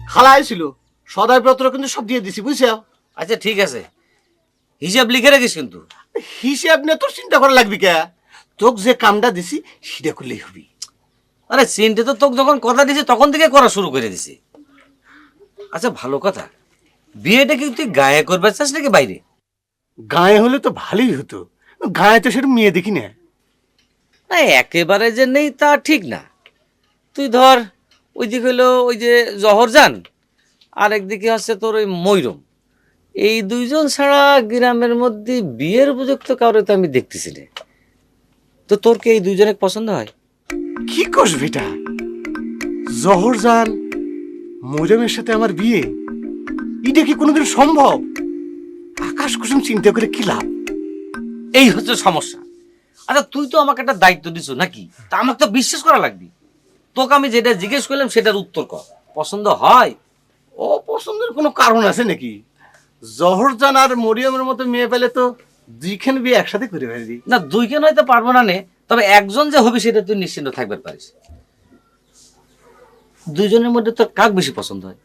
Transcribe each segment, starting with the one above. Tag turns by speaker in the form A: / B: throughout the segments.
A: খালাই ছিল সদাইপত্র কিন্তু সব দিয়ে দিছি বুঝছো।
B: আচ্ছা ঠিক আছে, হিসাব লিখে রাখিস কিন্তু।
A: হিসেব নিয়ে তোর চিন্তা করা লাগবি কে? তোকে যে কামটা দিছি সেটা করলেই হবি।
B: আরে চিন্তা তো তোকে যখন কথা দিছি তখন থেকে করা শুরু করে দিছি। আচ্ছা ভালো কথা, বিয়েটা কি তুই গায়ে করবে চাস নাকি বাইরে?
A: গায়ে হলে তো ভালোই হতো, গায়ে তো সেটা মেয়ে দেখি না।
B: না একেবারে যে নেই তা ঠিক না। তুই ধর ওই দিকে হইলো ওই যে জহরজান, আর একদিকে হচ্ছে তোর ওই ময়ূরম। এই দুইজন ছাড়া গ্রামের মধ্যে বিয়ের উপযুক্ত কাউরে তো আমি দেখতেছি না। তো তোর কি এই দুইজনে পছন্দ হয়?
A: কি করস বেটা, জহরজান মরিয়মের সাথে আমার বিয়ে, এটা কি কোনোদিন সম্ভব? আকাশ কুসুম চিন্তা করে কি লাভ?
B: এই হচ্ছে সমস্যা। আচ্ছা তুই তো আমাকে একটা দায়িত্ব দিছো নাকি, তা আমাকে তো বিশ্বাস করা লাগবে। তোকে আমি যেটা জিজ্ঞেস করলাম সেটার উত্তর কর, পছন্দ হয়?
A: অপছন্দের কোনো কারণ আছে নাকি? জহরজান আর মরিয়মের মতো মেয়ে পেলে তো দুইখান বিয়ে একসাথে করে ফেলি।
B: না দুইখান হয়তো পারবো না নে, তবে একজন যে হবে সেটা তুই নিশ্চিন্ত থাকবে পারিস। দুইজনের মধ্যে তোর কাক বেশি পছন্দ হয়?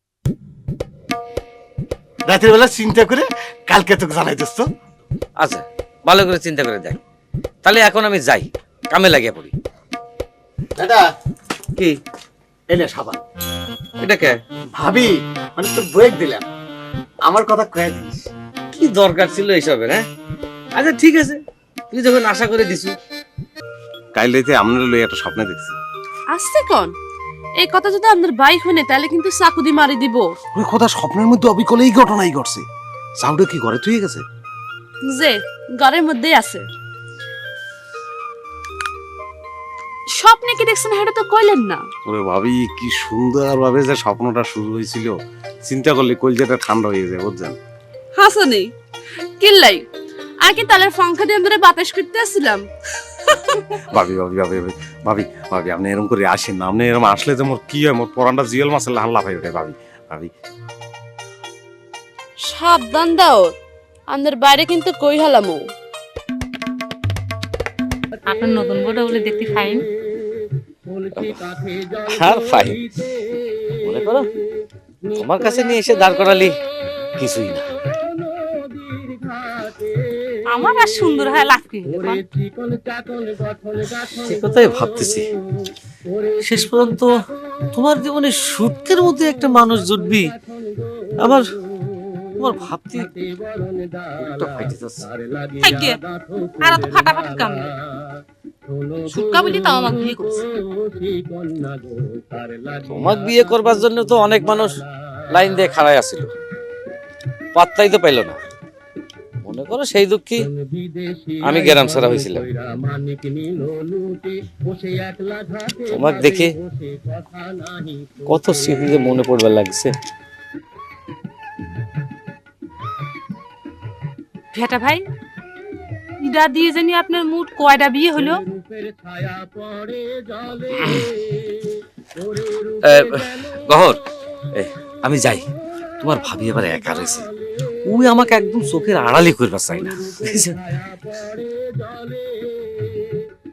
A: রাতের বেলা চিন্তা করে কালকে তোকে জানাই দোস্ত।
B: আচ্ছা ভালো করে চিন্তা করে দেখ। তাহলে এখন আমি যাই, কামে লাগিয়ে পড়ি।
A: দাদা
B: কি
A: এলে সাবান।
B: এটা কে?
A: ভাবি মানে তো ব্রেক দিলাম, আমার কথা কয়ে দিস।
B: কি দরকার ছিল এইসবের? হ্যাঁ আচ্ছা ঠিক আছে, তুই যখন আশা করে দিছু।
C: কাল রাতে আমরা লই একটা স্বপ্ন দেখছি।
D: আসছে কোন এই কথা যদি আপনার ভাই শুনে তাহলে কিন্তু চাকুদি মারি দিব।
C: ওই কথা স্বপ্নের মধ্যে অবিকল এই ঘটনাই ঘটছে। সাউন্ডে কি ঘরে তুই গেছে?
D: যে ঘরের মধ্যেই আছে। স্বপ্নে কি দেখছেন সেটা তো কইলেন না।
C: ওরে ভাবি কি সুন্দর ভাবে যে স্বপ্নটা শুরু হয়েছিল, চিন্তা করলে কলজাটা ঠান্ডা হয়ে যায় বুঝছেন।
D: হাসানি কিল্লাই আর কি তালের ফাঙ্কা দিয়ে ধরে বাতাস করতে আসছিলাম।
C: ভাবি ভাবি ভাবি ভাবি ভাবি ভাবি আপনি এরকম করে আসেন না। আপনি এরকম আসলে যে মোর কি হয়, মোর পরানটা জিয়াল মাছের হাল্লা পাই ওঠে। ভাবি ভাবি
D: সাবধান দাও, আমাদের বাইরে কিন্তু কই হালামো।
E: আপনার নতুন বউটা বলে দেখতে ফাইন।
B: আর ফাইন মনে করো তোমার কাছে নিয়ে এসে দাঁড় করালি কিছুই না।
E: আমার আর সুন্দর হয় লাভ কি?
B: সে কথাই ভাবতেছি, শেষ পর্যন্ত তোমার জীবনে সুটকের মধ্যে একটা মানুষ জুটবি। আমার তোমার ভাবতে বুকটা ফাইটে যাচ্ছে।
E: থাকিয়ে আর তো ফাটাফাটি কাম নেই। সুটকা বলি তাও আমাকে বিয়ে করছে।
B: তোমাকে বিয়ে করবার জন্য তো অনেক মানুষ লাইন দিয়ে খাড়াই আছিল, পাত্তাই তো পাইল না। মনে করো সেই দুঃখী আমি গ্রাম ছাড়া হয়েছিলাম। তোমাকে দেখে কত স্মৃতি যে মনে পড়বার লাগছে।
E: ভেটা ভাই ইডা দিয়ে জানি আপনার মুড কয়টা বিয়ে হলো?
B: গহর আমি যাই, তোমার ভাবি এবার একা রয়েছে, ওই আমাকে একদম চোখের আড়ালি করবার চাই না।